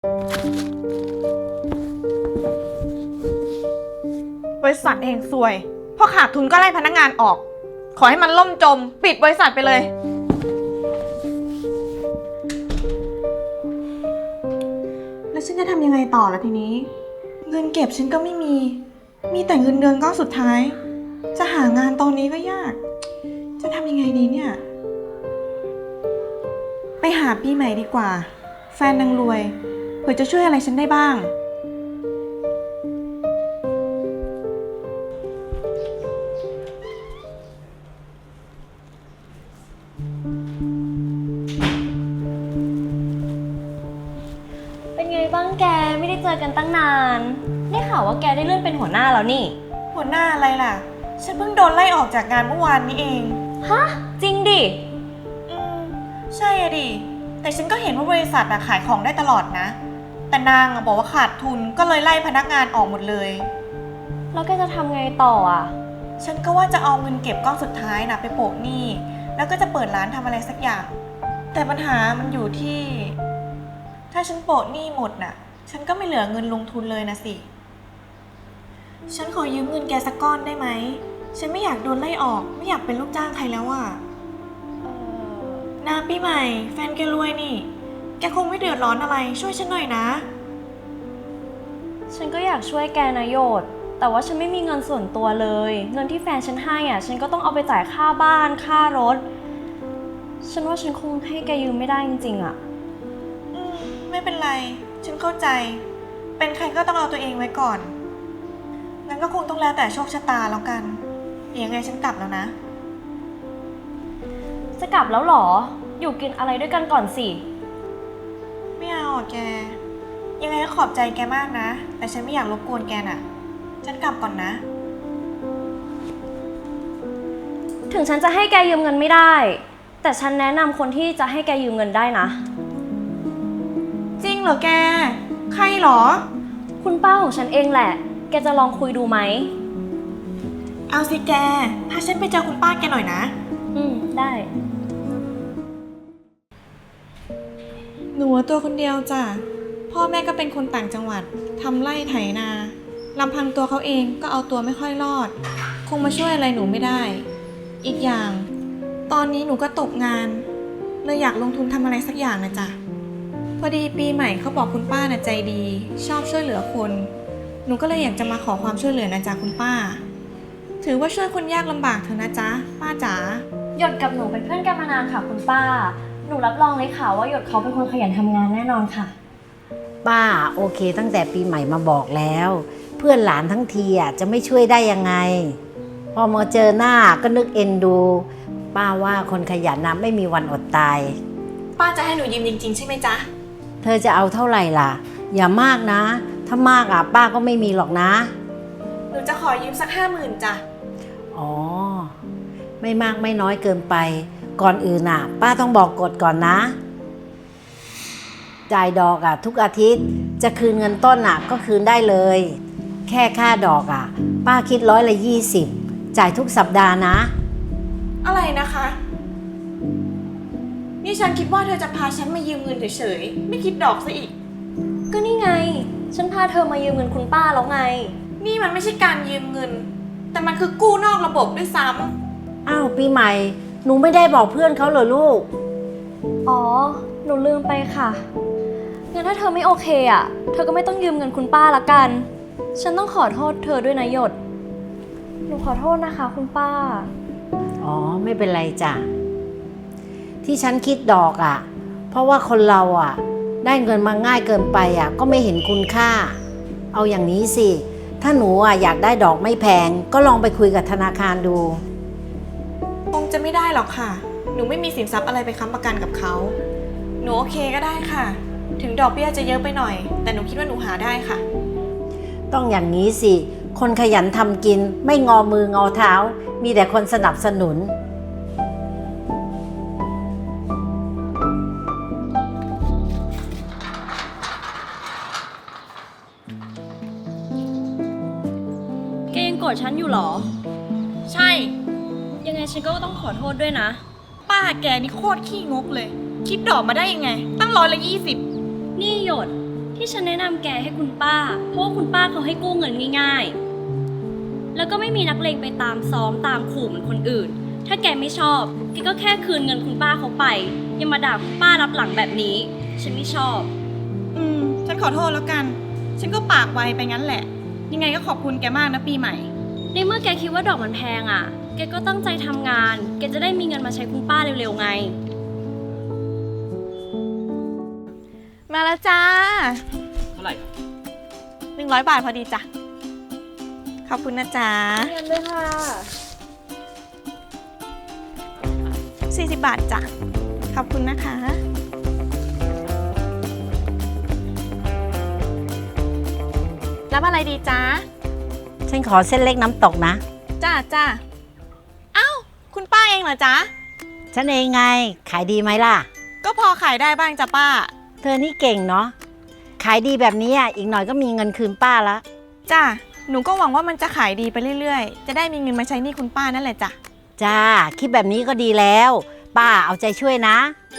บริษัทเองซวยพอขาดทุนก็ไล่พนักงานออกขอให้มันล่มจมปิดบริษัทไปเลยแล้วฉันจะทำยังไงต่อล่ะทีนี้เงินเก็บฉันก็ไม่มีแต่เงินเดือนก้อนสุดท้ายจะหางานตอนนี้ก็ยากจะทำยังไงดีเนี่ยไปหาปีใหม่ดีกว่าแฟนนางรวยเผื่อจะช่วยอะไรฉันได้บ้างเป็นไงบ้างแกไม่ได้เจอกันตั้งนานได้ข่าวว่าแกได้เลื่อนเป็นหัวหน้าแล้วนี่หัวหน้าอะไรล่ะฉันเพิ่งโดนไล่ออกจากงานเมื่อวานนี้เองฮะจริงดิใช่อะดิแต่ฉันก็เห็นว่าบริษัทขายของได้ตลอดนะแต่นางบอกว่าขาดทุนก็เลยไล่พนักงานออกหมดเลยแล้วแกจะทำไงต่ออ่ะฉันก็ว่าจะเอาเงินเก็บก้อนสุดท้ายนะไปโปะหนี้แล้วก็จะเปิดร้านทำอะไรสักอย่างแต่ปัญหามันอยู่ที่ถ้าฉันโปะหนี้หมดน่ะฉันก็ไม่เหลือเงินลงทุนเลยนะสิฉันขอยืมเงินแกสักก้อนได้ไหมฉันไม่อยากโดนไล่ออกไม่อยากเป็นลูกจ้างใครแล้วอ่ะนะปีใหม่แฟนแกรวยนี่แกคงไม่เดือดร้อนอะไรช่วยฉันหน่อยนะฉันก็อยากช่วยแกนะโยดแต่ว่าฉันไม่มีเงินส่วนตัวเลยเงินที่แฟนฉันให้อ่ะฉันก็ต้องเอาไปจ่ายค่าบ้านค่ารถฉันว่าฉันคงให้แกยืมไม่ได้จริงๆอ่ะไม่เป็นไรฉันเข้าใจเป็นใครก็ต้องเอาตัวเองไว้ก่อนงั้นก็คงต้องแล้วแต่โชคชะตาแล้วกันยังไงฉันกลับแล้วนะจะกลับแล้วหรออยู่กินอะไรด้วยกันก่อนสิไม่เอาแกยังไงก็ขอบใจแกมากนะแต่ฉันไม่อยากรบกวนแกน่ะฉันกลับก่อนนะถึงฉันจะให้แกยืมเงินไม่ได้แต่ฉันแนะนำคนที่จะให้แกยืมเงินได้นะจริงเหรอแกใครเหรอคุณป้าของฉันเองแหละแกจะลองคุยดูไหมเอาสิแกพาฉันไปเจอคุณป้าแกหน่อยนะได้หนูตัวคนเดียวจ้ะพ่อแม่ก็เป็นคนต่างจังหวัดทำไร่ไถนาลำพังตัวเขาเองก็เอาตัวไม่ค่อยรอดคงมาช่วยอะไรหนูไม่ได้อีกอย่างตอนนี้หนูก็ตกงานเลยอยากลงทุนทำอะไรสักอย่างนะจ๊ะพอดีปีใหม่เขาบอกคุณป้าน่ะใจดีชอบช่วยเหลือคนหนูก็เลยอยากจะมาขอความช่วยเหลือนะจ๊ะคุณป้าถือว่าช่วยคนยากลำบากเถอะนะจ๊ะป้าจ๋าหยดกับหนูเป็นเพื่อนกันมานานค่ะคุณป้าหนูรับรองเลยค่ะว่าหยดเขาเป็นคนขยันทำงานแน่นอนค่ะป้าโอเคตั้งแต่ปีใหม่มาบอกแล้วเพื่อนหลานทั้งทีจะไม่ช่วยได้ยังไงพอมาเจอหน้าก็นึกเอ็นดูป้าว่าคนขยันนะไม่มีวันอดตายป้าจะให้หนูยืมจริงๆใช่ไหมจ๊ะเธอจะเอาเท่าไหร่ล่ะอย่ามากนะถ้ามากป้าก็ไม่มีหรอกนะหนูจะขอยืมสัก50,000จ้ะอ๋อไม่มากไม่น้อยเกินไปก่อนอื่นป้าต้องบอกกฎก่อนนะจ่ายดอกทุกอาทิตย์จะคืนเงินต้นก็คืนได้เลยแค่ค่าดอกป้าคิด120จ่ายทุกสัปดาห์นะอะไรนะคะนี่ฉันคิดว่าเธอจะพาฉันมายืมเงินเฉยๆไม่คิดดอกซะอีกก็นี่ไงฉันพาเธอมายืมเงินคุณป้าแล้วไงนี่มันไม่ใช่การยืมเงินแต่มันคือกู้นอกระบบด้วยซ้ำอ้าวปีใหม่หนูไม่ได้บอกเพื่อนเขาเหรอลูกอ๋อหนูลืมไปค่ะงั้นถ้าเธอไม่โอเคเธอก็ไม่ต้องยืมเงินคุณป้าละกันฉันต้องขอโทษเธอด้วยนะหยดหนูขอโทษนะคะคุณป้าอ๋อไม่เป็นไรจ้ะที่ฉันคิดดอกเพราะว่าคนเราได้เงินมาง่ายเกินไปก็ไม่เห็นคุณค่าเอาอย่างนี้สิถ้าหนูอยากได้ดอกไม่แพงก็ลองไปคุยกับธนาคารดูคงจะไม่ได้หรอกค่ะหนูไม่มีสินทรัพย์อะไรไปค้ำประกันกับเขาหนูโอเคก็ได้ค่ะถึงดอกเบี้ยจะเยอะไปหน่อยแต่หนูคิดว่าหนูหาได้ค่ะต้องอย่างนี้สิคนขยันทำกินไม่งอมืองอเท้ามีแต่คนสนับสนุนแกยังโกรธฉันอยู่หรอใช่ยังไงฉันก็ต้องขอโทษด้วยนะป้าแกนี่โคตรขี้งกเลยคิดดอกมาได้ยังไงตั้ง120 นี่หยดทที่ฉันแนะนำแกให้คุณป้า เพราะว่าคุณป้าเขาให้กู้เงินง่ายๆ แล้วก็ไม่มีนักเลงไปตามซ้อมตามขู่เหมือนคนอื่น ถ้าแกไม่ชอบแกก็แค่คืนเงินคุณป้าเขาไปอย่ามาด่าคุณป้ารับหลังแบบนี้ฉันไม่ชอบฉันขอโทษแล้วกัน ฉันก็ปากไวไปงั้นแหละ ยังไงก็ขอบคุณแกมากนะปีใหม่ในเมื่อแกคิดว่าดอกมันแพงอ่ะ แกก็ตั้งใจทำงาน แกจะได้มีเงินมาใช้คุณป้าเร็วๆไงมาแล้วจ้าเท่าไหร่ครับ 100 บาทพอดีจ้ะ ขอบคุณนะจ๊ะเงินด้วยค่ะ 40 บาทจ้ะ ขอบคุณนะคะ รับอะไรดีจ๊ะฉันขอเส้นเล็กน้ำตกนะจ้าจ้าเอ้า คุณป้าเองเหรอจ๊ะฉันเองไง ขายดีไหมล่ะก็พอขายได้บ้างจ้ะป้าเธอนี่เก่งเนาะ ขายดีแบบนี้อีกหน่อยก็มีเงินคืนป้าละจ้า หนูก็หวังว่ามันจะขายดีไปเรื่อยๆ จะได้มีเงินมาใช้หนี้คุณป้านั่นแหละจ้ะจ้า คิดแบบนี้ก็ดีแล้ว ป้าเอาใจช่วยนะ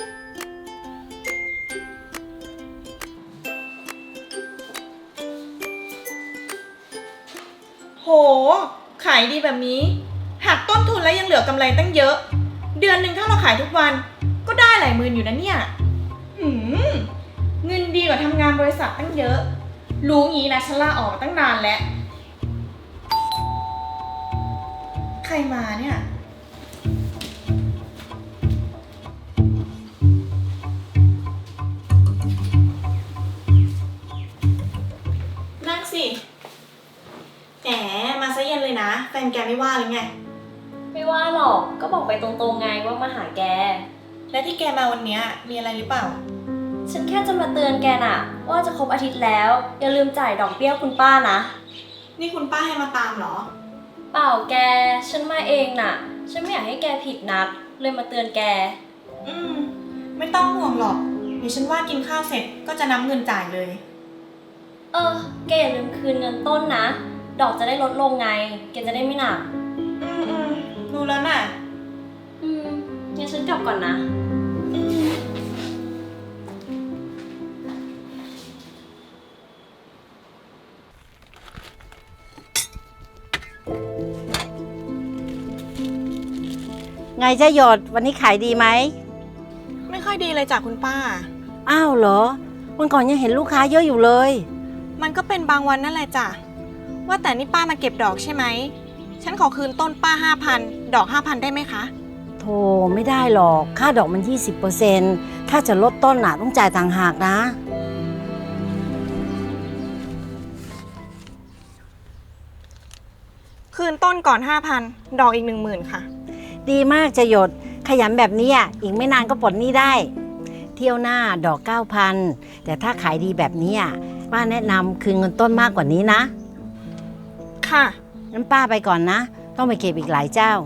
โห ขายดีแบบนี้ หักต้นทุนแล้วยังเหลือกำไรตั้งเยอะ เดือนหนึ่งถ้าเราขายทุกวัน ก็ได้หลายหมื่นอยู่นะเนี่ยเงินดีกว่าทำงานบริษัทตั้งเยอะ รู้งี้นะฉันลาออกมาตั้งนานแล้ว ใครมาเนี่ย นั่งสิแหมมาซะเย็นเลยนะ แฟนแกไม่ว่าเลยไงไม่ว่าหรอก ก็บอกไปตรงๆไงว่ามาหาแกและที่แกมาวันเนี้ยมีอะไรหรือเปล่าฉันแค่จะมาเตือนแกน่ะ ว่าจะครบอาทิตย์แล้ว อย่าลืมจ่ายดอกเบี้ยคุณป้านะนี่คุณป้าให้มาตามเหรอเปล่าแก ฉันมาเองน่ะ ฉันไม่อยากให้แกผิดนัด เลยมาเตือนแกไม่ต้องห่วงหรอกเดี๋ยวฉันว่ากินข้าวเสร็จก็จะนับเงินจ่ายเลยแกอย่าลืมคืนเงินต้นนะ ดอกจะได้ลดลงไง แกจะได้ไม่หนักรู้แล้วน่ะงั้นฉันกลับก่อนนะไงเจ้าหยดวันนี้ขายดีไหมไม่ค่อยดีเลยจ้ะคุณป้าอ้าวเหรอ วันก่อนยังเห็นลูกค้าเยอะอยู่เลยมันก็เป็นบางวันนั่นแหละจ้ะ ว่าแต่นี่ป้ามาเก็บดอกใช่ไหม ฉันขอคืนต้นป้า 5,000 ดอก 5,000 ได้ไหมคะโธ่ไม่ได้หรอก ค่าดอกมัน 20%ถ้าจะลดต้นต้องจ่ายต่างหากนะคืนต้นก่อน 5,000 ดอกอีก 10,000 ค่ะดีมากจะหยด ขยันแบบนี้อีกไม่นานก็ปลดหนี้ได้ เที่ยวหน้าดอก 9,000 แต่ถ้าขายดีแบบนี้ป้าแนะนำคืนเงินต้นมากกว่านี้นะค่ะงั้นป้าไปก่อนนะ ต้องไปเก็บอีกหลายเจ้า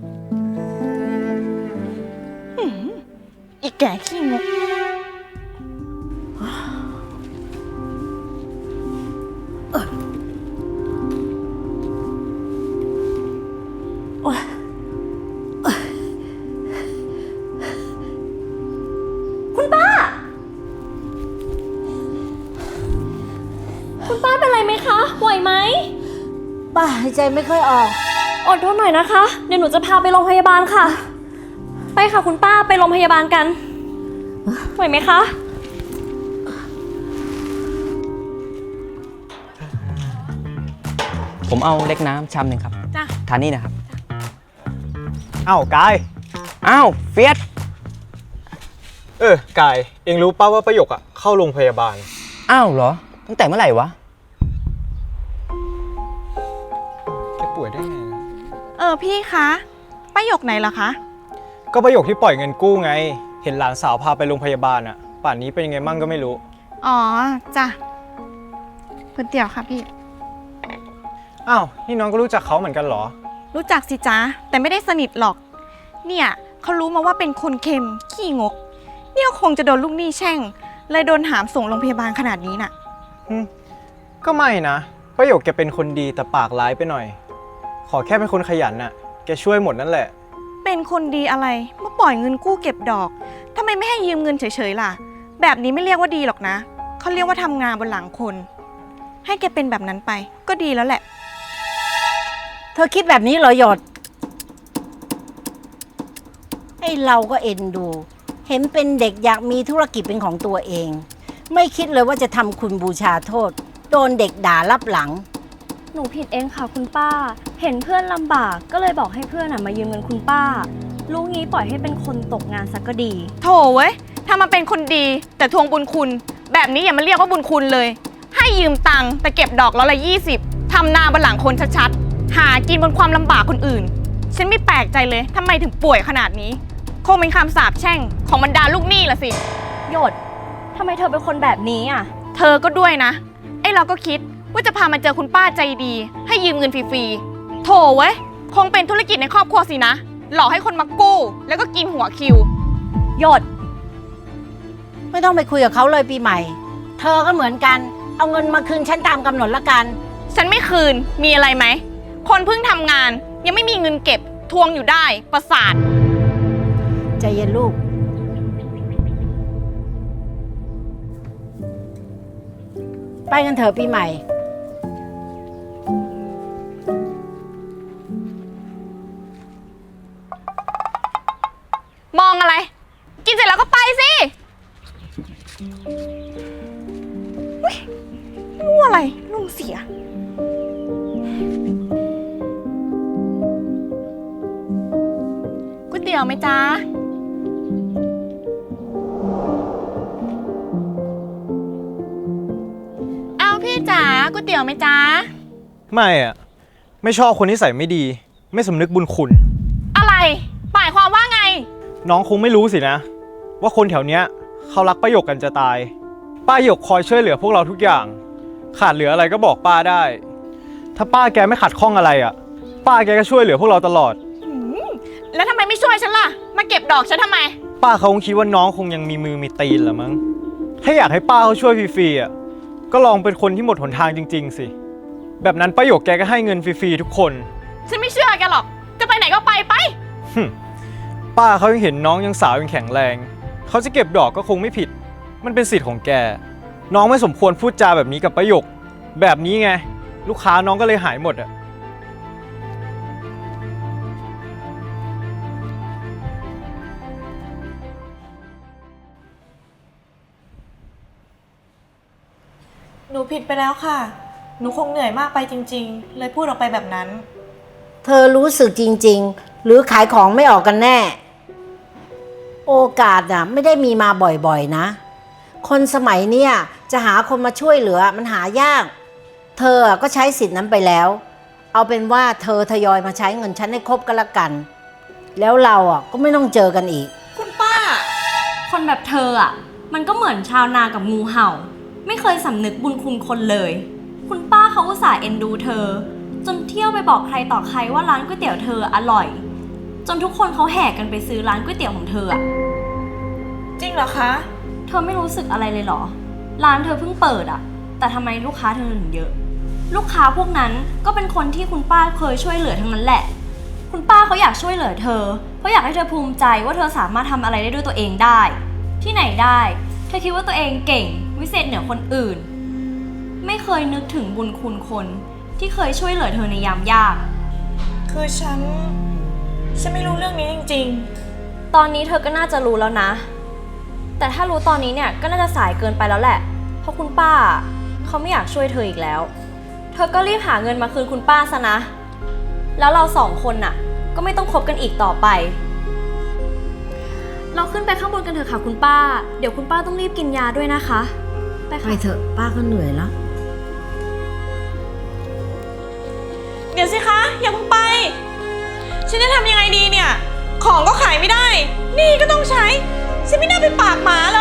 อีกแก่ขี้งกคุณป้า คุณป้าเป็นไรไหมคะ ไหวไหมป้าหายใจไม่ค่อยออกอดทนหน่อยนะคะ เดี๋ยวหนูจะพาไปโรงพยาบาลค่ะ ไปค่ะคุณป้าไปโรงพยาบาลกัน ไหวไหมคะผมเอาเล็กน้ำชามหนึ่งครับจ้ะทานนี่นะครับอ้าวกายอ้าวเฟียสกาย เองรู้ป่าว่าประโยคอะเข้าโรงพยาบาลอ้าวเหรอ ตั้งแต่เมื่อไหร่วะแกป่วยได้ไงนะพี่คะป้าหยกไหนเหรอคะก็ประโยคที่ปล่อยเงินกู้ไง เห็นหลานสาวพาไปโรงพยาบาลอะป่านนี้เป็นยังไงมั่งก็ไม่รู้อ๋อ จ้ะก๋วยเตี๋ยวค่ะพี่อ้าว นี่น้องก็รู้จักเขาเหมือนกันเหรอรู้จักสิจ๊ะ แต่ไม่ได้สนิทหรอก เนี่ยเขารู้มาว่าเป็นคนเค็ม ขี้งก เนี่ยคงจะโดนลูกหนี้แช่ง เลยโดนหามส่งโรงพยาบาลขนาดนี้น่ะก็ไม่นะ ประโยคแกเป็นคนดีแต่ปากร้ายไปหน่อย ขอแค่เป็นคนขยันน่ะ แกช่วยหมดนั่นแหละเป็นคนดีอะไรเมื่อปล่อยเงินกู้เก็บดอกทำไมไม่ให้ยืมเงินเฉยๆล่ะ แบบนี้ไม่เรียกว่าดีหรอกนะ เขเขาเรียกว่าทำงานบนหลังคน ให้แกเป็นแบบนั้นไปก็ดีแล้วแหละเธอคิดแบบนี้เหรอหยดไอ้เราก็เอ็นดู เห็นเป็นเด็กอยากมีธุรกิจเป็นของตัวเอง ไม่คิดเลยว่าจะทำคุณบูชาโทษ โดนเด็กด่ารับหลังหนูผิดเองค่ะคุณป้า เห็นเพื่อนลำบากก็เลยบอกให้เพื่อนมายืมเงินคุณป้า ลูกนี้ปล่อยให้เป็นคนตกงานสักก็ดีโถเว้ยถ้ามันเป็นคนดีแต่ทวงบุญคุณ แบบนี้อย่ามาเรียกว่าบุญคุณเลย ให้ยืมตังค์แต่เก็บดอกละ20ทำนาบนหลังคนชัดๆ หากินบนความลำบากคนอื่น ฉันไม่แปลกใจเลยทำไมถึงป่วยขนาดนี้ คงเป็นคำสาปแช่งของบรรดาลูกหนี้ละสิหยดทำไมเธอเป็นคนแบบนี้อ่ะเธอก็ด้วยนะ ไอ้เราก็คิดว่าจะพามาเจอคุณป้าใจดี ให้ยืมเงินฟรีๆ โถเว้ยคงเป็นธุรกิจในครอบครัวสินะ หลอกให้คนมากู้ แล้วก็กินหัวคิวหยดไม่ต้องไปคุยกับเขาเลยปีใหม่ เธอก็เหมือนกัน เอาเงินมาคืนฉันตามกำหนดละกันฉันไม่คืน มีอะไรไหม คนเพิ่งทำงาน ยังไม่มีเงินเก็บ ทวงอยู่ได้ ประสาทใจเย็นลูก ไปกันเถอะปีใหม่มองอะไร กินเสร็จแล้วก็ไปสิอุ๊ยรู้อะไรลุงเสีย ก๋วยเตี๋ยวไหมจ๊ะ เอาพี่จ๋าก๋วยเตี๋ยวไหมจ๊ะไม่อะไม่ชอบคนที่ใส่ไม่ดี ไม่สำนึกบุญคุณอะไรหมายความว่าไงน้องคงไม่รู้สินะ ว่าคนแถวเนี้ยเขารักป้าหยกกันจะตาย ป้าหยกคอยช่วยเหลือพวกเราทุกอย่าง ขาดเหลืออะไรก็บอกป้าได้ ถ้าป้าแกไม่ขัดข้องอะไรอ่ะ ป้าแกก็ช่วยเหลือพวกเราตลอดแล้วทำไมไม่ช่วยฉันล่ะ มาเก็บดอกฉันทำไมป้าเขาคงคิดว่าน้องคงยังมีมือมีตีนเหรอมั้ง ถ้าอยากให้ป้าเขาช่วยฟรีๆอ่ะ ก็ลองเป็นคนที่หมดหนทางจริงๆสิ แบบนั้นป้าหยกแกก็ให้เงินฟรีๆทุกคนฉันไม่เชื่อแกหรอก จะไปไหนก็ไปไปป้าเขายังเห็นน้องยังสาวยังแข็งแรง เขาจะเก็บดอกก็คงไม่ผิด มันเป็นสิทธิ์ของแก น้องไม่สมควรพูดจาแบบนี้กับป้าหยก แบบนี้ไง ลูกค้าน้องก็เลยหายหมดอ่ะหนูผิดไปแล้วค่ะ หนูคงเหนื่อยมากไปจริงๆ เลยพูดออกไปแบบนั้นเธอรู้สึกจริงๆ หรือขายของไม่ออกกันแน่ โอกาสน่ะไม่ได้มีมาบ่อยๆนะ คนสมัยเนี้ยจะหาคนมาช่วยเหลือมันหายาก เธอก็ใช้สิทธิ์นั้นไปแล้ว เอาเป็นว่าเธอทยอยมาใช้เงินฉันให้ครบกันละกัน แล้วเราก็ไม่ต้องเจอกันอีกคุณป้าคนแบบเธออ่ะ มันก็เหมือนชาวนากับงูเห่า ไม่เคยสำนึกบุญคุณคนเลย คุณป้าเขาอุตส่าห์เอ็นดูเธอ จนเที่ยวไปบอกใครต่อใครว่าร้านก๋วยเตี๋ยวเธออร่อย จนทุกคนเขาแห่กันไปซื้อร้านก๋วยเตี๋ยวของเธออ่ะจริงเหรอคะเธอไม่รู้สึกอะไรเลยเหรอ ร้านเธอเพิ่งเปิดอ่ะ แต่ทำไมลูกค้าเธอถึงเยอะ ลูกค้าพวกนั้นก็เป็นคนที่คุณป้าเคยช่วยเหลือทั้งนั้นแหละ คุณป้าเขาอยากช่วยเหลือเธอ เพราะอยากให้เธอภูมิใจว่าเธอสามารถทำอะไรได้ด้วยตัวเองได้ ที่ไหนได้ เธอคิดว่าตัวเองเก่ง วิเศษเหนือคนอื่น ไม่เคยนึกถึงบุญคุณคนที่เคยช่วยเหลือเธอในยามยากคือฉันไม่รู้เรื่องนี้จริงตอนนี้เธอก็น่าจะรู้แล้วนะ แต่ถ้ารู้ตอนนี้เนี่ยก็น่าจะสายเกินไปแล้วแหละ เพราะคุณป้าเขาไม่อยากช่วยเธออีกแล้ว เธอก็รีบหาเงินมาคืนคุณป้าซะนะ แล้วเราสองคนน่ะก็ไม่ต้องคบกันอีกต่อไป เราขึ้นไปข้างบนกันเถอะค่ะคุณป้า เดี๋ยวคุณป้าต้องรีบกินยาด้วยนะคะ ไปไปค่ะเถอะป้าก็เหนื่อยแล้วๆ เดี๋ยวสิคะ อย่าเพิ่งไป ฉันจะทำยังไงดีเนี่ย ของก็ขายไม่ได้ หนี่ก็ต้องใช้ ฉันไม่น่าไปปากหมาเลย